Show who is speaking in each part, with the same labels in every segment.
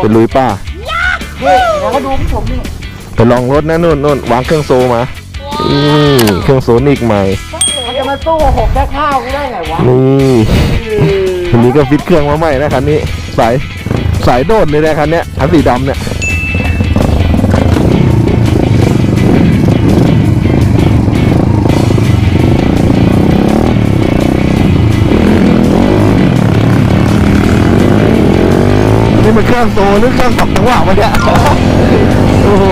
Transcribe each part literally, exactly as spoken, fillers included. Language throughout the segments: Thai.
Speaker 1: ไปลุยป่า
Speaker 2: นี่แล้วก็ดูพี่ผมนี่
Speaker 1: ไปลองรถนะนู่นนู่นวางเครื่องโซมาอืมเครื่องโซนิกใหม่
Speaker 2: มันจะมาสู้หกแค่ข้าวกูได้ไงวะ
Speaker 1: นี่คันนี้ก็ฟิตเครื่องมาใหม่นะคันนี้สายสายโดดเลยนะคันเนี้ยคันสีดำเนี่ยนี่มันเครื่องโซหรือเครื่องสองจังหวะวะเนี่ยโอ้โห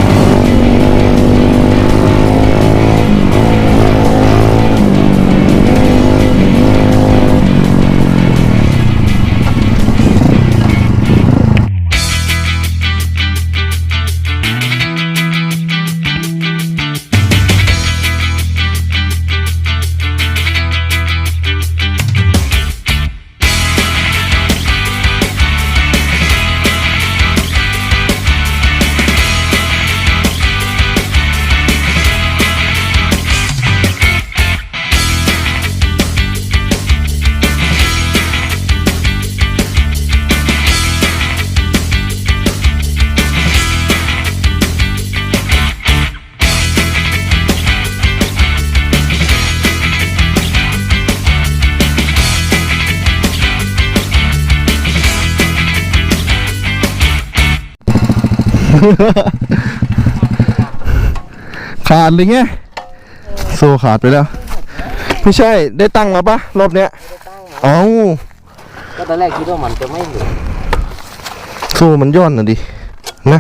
Speaker 1: ขาดเลยไงโซ่ขาดไปแล้วไม่ใช่ได้ตั้งมาปะรอบเนี้ยเอ้า
Speaker 2: ก็ตอนแรกคิดว่ามันจะไม่อยู่
Speaker 1: โซ่มันย่อนน่ะดินะ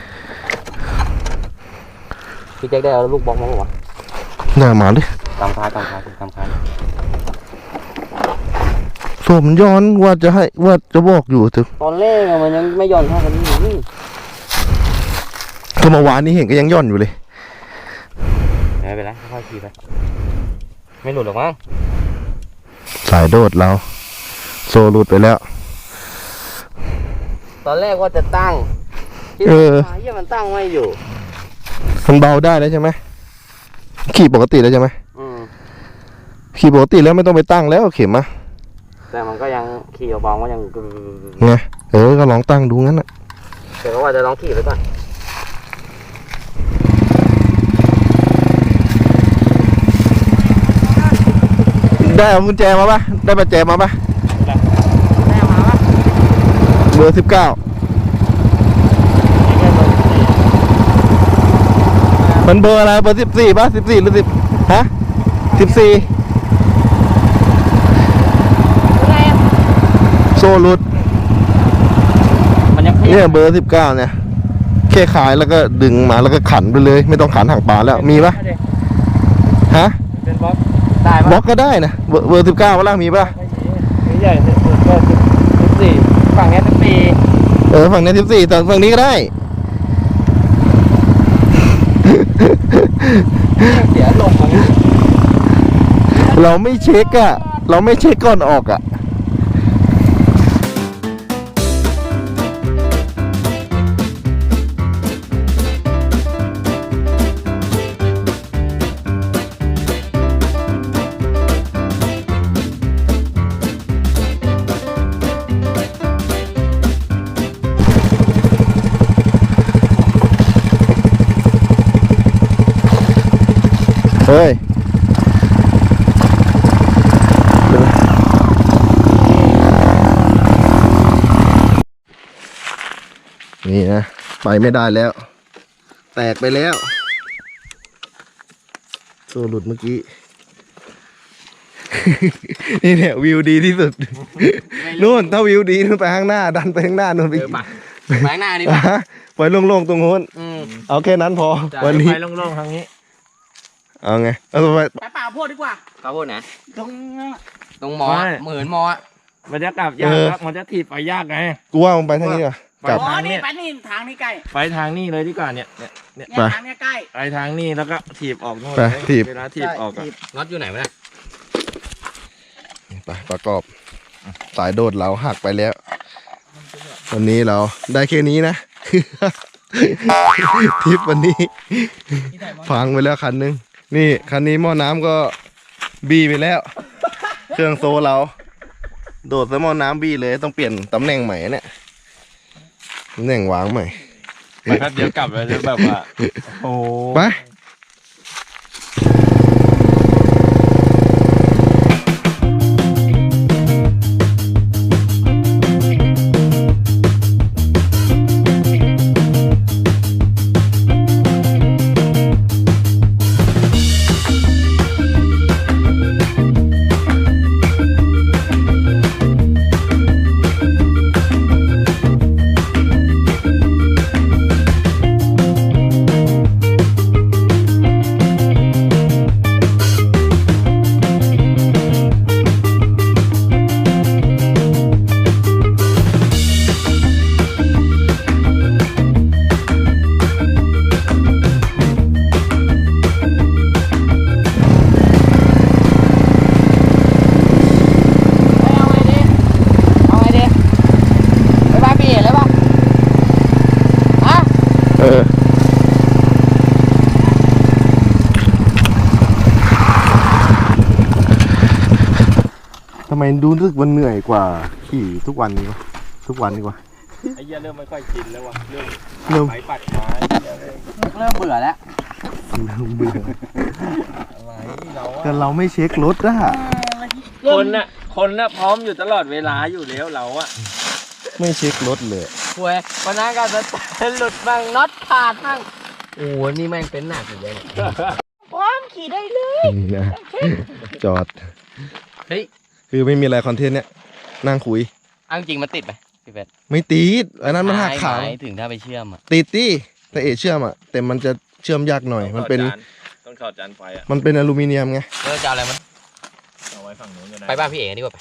Speaker 2: พี่แจ็คได้เอาลูกบอลมาหรอวะ
Speaker 1: หน้าหมาดิ
Speaker 2: กำค้ากำค้ากำค้า
Speaker 1: โซ่มันย้อนว่าจะให้ว่าจะบอกอยู่แต่
Speaker 2: ตอนแรกมันยังไม่ย่อนเท่ากันนี่
Speaker 1: ก็เมื่อวานนี้เห็นก็ยังย่อนอยู่เลย
Speaker 2: ไม่เป็นไรค่อยๆขี่ไปไม่หลุดหรอกมั้ง
Speaker 1: สายโดดเราโซ่หลุดไปแล้ว
Speaker 2: ตอนแรกว่าจะตั้ง
Speaker 1: เออ
Speaker 2: เยี่ยมันตั้งไม่อยู่
Speaker 1: มันเบาได้แล้วใช่ไหมขี่ปกติแล้วใช่ไหม
Speaker 2: อืม
Speaker 1: ขี่ปกติแล้วไม่ต้องไปตั้งแล้วเข็มอะ
Speaker 2: แต่มันก็ยังขี่เบาๆก็ยัง
Speaker 1: ไงเออก็ลองตั้งดูงั้นอะ
Speaker 2: แต่ก็ว่าจะลองขี่ไปก่อน
Speaker 1: ได้เอากุญแจมาปะได้ประแจมาปะ
Speaker 2: แม่มาปะ
Speaker 1: เบอร์สิบเก้ามันเบอร์อะไรเบอร์สิบสี่ปะสิบสี่หรือสิบฮะสิบสี่โซ่รุด
Speaker 2: มันยัง
Speaker 1: เนี่ยเบอร์สิบเก้าเนี่ยแค่ขายแล้วก็ดึงมาแล้วก็ขันไปเลยไม่ต้องขันห่างปลาแล้วมีปะฮะ
Speaker 2: เป็นบล็อกได้
Speaker 1: บล็
Speaker 2: ปะ
Speaker 1: อกก็ได้นะเบอร์เบอร์สิบเก้าปะล่ะมีปะ
Speaker 2: ไม่ใหญ่สุดก็สิบสี่ฝั่งนี้สิบสี่
Speaker 1: เออฝั่งนี้สิบสี่แต่ฝั่งนี้ก็ได้
Speaker 2: เสียลงมา
Speaker 1: เราไม่เช็คอะเราไม่เช็คก่อนออกอะเฮ้ยนี่นะไปไม่ได้แล้ว แตกไปแล้วโซ่หลุดเมื่อกี้ นี่เนี่ยวิวดีที่สุดนู่นถ้าวิวดีนู่นไปข้างหน้า ดันไปข้างหน้านู่นไป
Speaker 2: ไปข้างหน้านี่ป่ะ
Speaker 1: ไปโล่งๆตรงโน้น
Speaker 2: อืม
Speaker 1: เอาแค่นั้นพอวันนี้
Speaker 2: ไปโล่งๆทางนี้
Speaker 1: เอาไงเอาไป
Speaker 2: ไปป่าโพดดีกว่าป่าโพดนะ
Speaker 3: ตรง
Speaker 2: ตรงมอเหมือนมอ
Speaker 3: มันจะกลับยากครับมันจะถีบไปยากไง
Speaker 1: กูว่ามึงไปทางนี้ดีกว่า
Speaker 3: ไป
Speaker 1: กลับ
Speaker 3: ทาง
Speaker 2: นี่
Speaker 3: เนี้ย
Speaker 2: ไปนี่ทางนี้ใกล้
Speaker 3: ไปทางนี้เลยดีกว่าเนี่ยเนี่ยเนี่ย
Speaker 2: เนี่ยทางนี้ใกล้
Speaker 3: ไปทางนี้แล้วก็ถีบออกโน่น
Speaker 1: ไปถีบ
Speaker 3: เวลาถีบออกอะ
Speaker 2: น็อตอยู่ไหนวะเนี่ย
Speaker 1: ไปประกอบสายโดดเราหักไปแล้ว วันนี้เราได้แค่นี้นะ ทริปวันนี้พังไปแล้วคันนึงนี่คันนี้หม้อน้ำก็บีไปแล้ว เครื่องโซเรา โดดใส่หม้อน้ำบีเลยต้องเปลี่ยนตำแหน่งใหม่เนี่ยตำแหน่งวางใหม่
Speaker 3: ไปแป๊บเดียวกลับเลยแบบว่าโอ้
Speaker 1: ไปเออทำไมดูรู้สึกวันเหนื่อยกว่าขี่ทุกวันนี้วะทุกวันดีกว่า
Speaker 3: ไอ้เหี้ยเริ่มไม่ค่อยชินแล้วว่ะเริ่ม
Speaker 1: เริ่ม
Speaker 3: ไม้ปัดไม้
Speaker 2: เริ่มเบื่อแล้ว
Speaker 1: เริ่มเบื่อ
Speaker 3: อะไรเรา
Speaker 1: แต่
Speaker 3: อะ
Speaker 1: เราไม่เช็ครถอะ
Speaker 3: คนน่ะคนน่ะพร้อมอยู่ตลอดเวลาอยู่แล้วเราอะ
Speaker 1: ไม่เช็ครถเลย
Speaker 2: ป่วยวันนั้นก็จะหลุดบ้างน็อตขาดบ้างโอ้โหนี่แม่งเป็นหนักอยู่เลย
Speaker 4: พร้อมขี่ได้เลย
Speaker 1: นี่นะจอด
Speaker 2: เฮ้ย
Speaker 1: คือไม่มีอะไรคอนเทนต์เนี่ยนั่งคุย
Speaker 2: เอาจริงมันติดไหมพี่เป็ด
Speaker 1: ไม่ติดอันนั้นมันหักขา
Speaker 2: หมายถึงถ้าไปเชื่อมอ่ะ
Speaker 1: ติดดิแต่เอเชื่อมอะแต่มันจะเชื่อมยากหน่อย มันเป็น
Speaker 3: ต้องถอดจานไฟอะ
Speaker 1: มันเป็นอลูมิเนียมไง
Speaker 2: เออจะเอาอะไรมัน
Speaker 3: เอาไว้ฝั่งนู้นก็ได้
Speaker 2: ไปบ้านพี่เอ๋ดีกว่าไป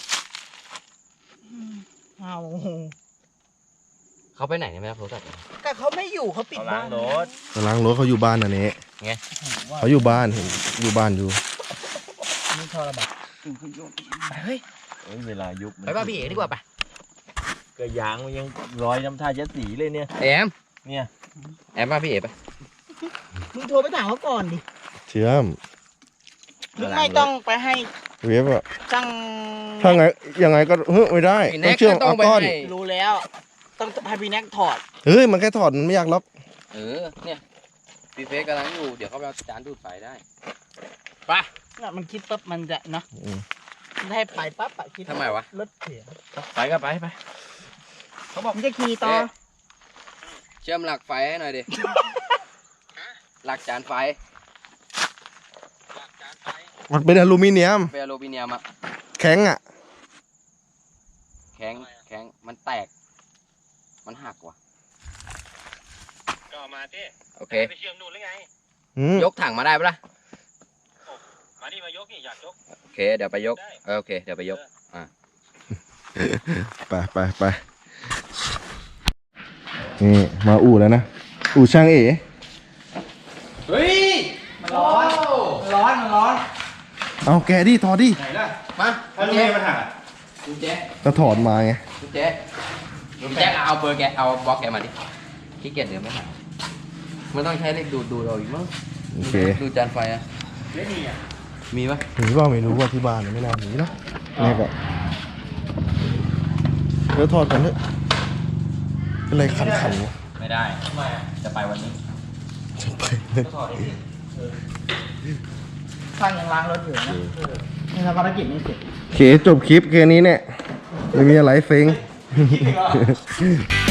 Speaker 4: เอา
Speaker 2: เขาไปไหนเนี่ยไม่รับโทรศัพท์เลย
Speaker 4: แต่เขาไม่อยู่เขาปิด
Speaker 3: เอา
Speaker 4: บ้า
Speaker 3: ล้าง
Speaker 4: น
Speaker 3: รถ
Speaker 1: กำลังรถเขาอยู่บ้านนะเนี่ย
Speaker 2: ไง
Speaker 1: เขาอยู่บ้านเห็นอยู่บ้านอยู่
Speaker 4: นี่ทรบัตเฮ้ย
Speaker 3: เอ้ยเวลายุบ
Speaker 2: ไปบ้านพี่เอ๋ดีกว่าไป
Speaker 3: กระยางมันยังร้อยน้ำท่าเจ็ดสีเลยเนี่ย
Speaker 2: แอม
Speaker 3: เนี่ย
Speaker 2: แอมบ้านพี่เอ๋ไป
Speaker 4: มึงโทรไปถามเขาก่อนดิ
Speaker 1: เชื่อม
Speaker 4: มึงไม่ต้องไปให้
Speaker 1: เวฟอะ
Speaker 4: ช่าง
Speaker 1: ถ้าไงยังไงก็เฮ้ยไม่ได้
Speaker 2: พี่
Speaker 1: ต้
Speaker 2: แน็
Speaker 1: อง
Speaker 2: ก
Speaker 1: เชื่อม
Speaker 2: ก็ต้อ
Speaker 1: เอา
Speaker 2: งไป
Speaker 1: ก้อน
Speaker 2: ให้
Speaker 4: รู้แล้ว ต้องให้พี่แน็กถอด
Speaker 1: เฮ้ยมันแค่ถอดมันไม่ยากหรอก
Speaker 2: เออเนี่ยพี่เฟซกำลังอยู่เดี๋ยวเขาไปเอาจานดูดไฟได้ไป
Speaker 4: น่ะมันคิดปั๊บมันจะเนาะ
Speaker 1: อืม
Speaker 4: มันให้ไปปั๊บอะคิด
Speaker 2: ทำไมวะ
Speaker 4: รถเสีย
Speaker 3: ไปก็ไปไป
Speaker 4: เขาบอกมันจะขี่ต่อ
Speaker 2: เอ๊ะ เชื่อมหลักไฟให้หน่อยดิ หลักจานไฟ
Speaker 1: มันเป็นอลูมิเนียม
Speaker 2: เป็นอลูมิเนียมอะ
Speaker 1: แข็งอะ
Speaker 2: แข็งแข็งมันแตก มันหักว่ะ
Speaker 3: ก็มาที่
Speaker 2: โอเค
Speaker 3: ไปเชื่อมนู่นหรือไง
Speaker 1: อืม
Speaker 2: ยกถังมาได้ปะล่ะ
Speaker 3: มาดิมายกนี่อยากยก
Speaker 2: โอเค เดี๋ยวไปยกเออโอเค เดี๋ยวไปยก
Speaker 1: ไปไปไปนี่มาอู่แล้วนะ อู่ช่างเอ๋
Speaker 2: เฮ้ย
Speaker 4: มันร้อนร้อนมันร้อน
Speaker 1: เอาแกดิถอดดิ
Speaker 3: ไหนล่ะ
Speaker 2: มา
Speaker 3: ถ้าลุงเอมันหักอะ
Speaker 2: คุณเจ๊
Speaker 1: ก็ถอดมาไง
Speaker 2: คุณเจ๊คุณเจ๊เอาเบอร์แก เอาบล็อกแกมาดิขี้เกียจเดินไม่ทันมันต้องใช้เหล็กดูดดูเราอีกมั้ง
Speaker 1: โอเค
Speaker 2: ดูจานไฟอะ
Speaker 3: ไม่มีอ่ะ
Speaker 2: มีปะ
Speaker 1: หนีว่าไม่รู้ว่าที่บ้านไม่น่าหนีนะแม่ก็เดี๋ยวถอดกันเถอะเป็นไรขันขันวะ
Speaker 3: ไม่ได้ทำไมอะจะไปวันนี้
Speaker 1: จะไปเลย
Speaker 3: ก็ถอดดิ
Speaker 4: ช่างยังล้างรถอยู่นะนี่ทำภารกิจนี้เสร็จ
Speaker 1: โอเคจบคลิปแค่นี้เนี่ยไม่มีอะไรเซ็ง
Speaker 3: คิดอีกเหรอ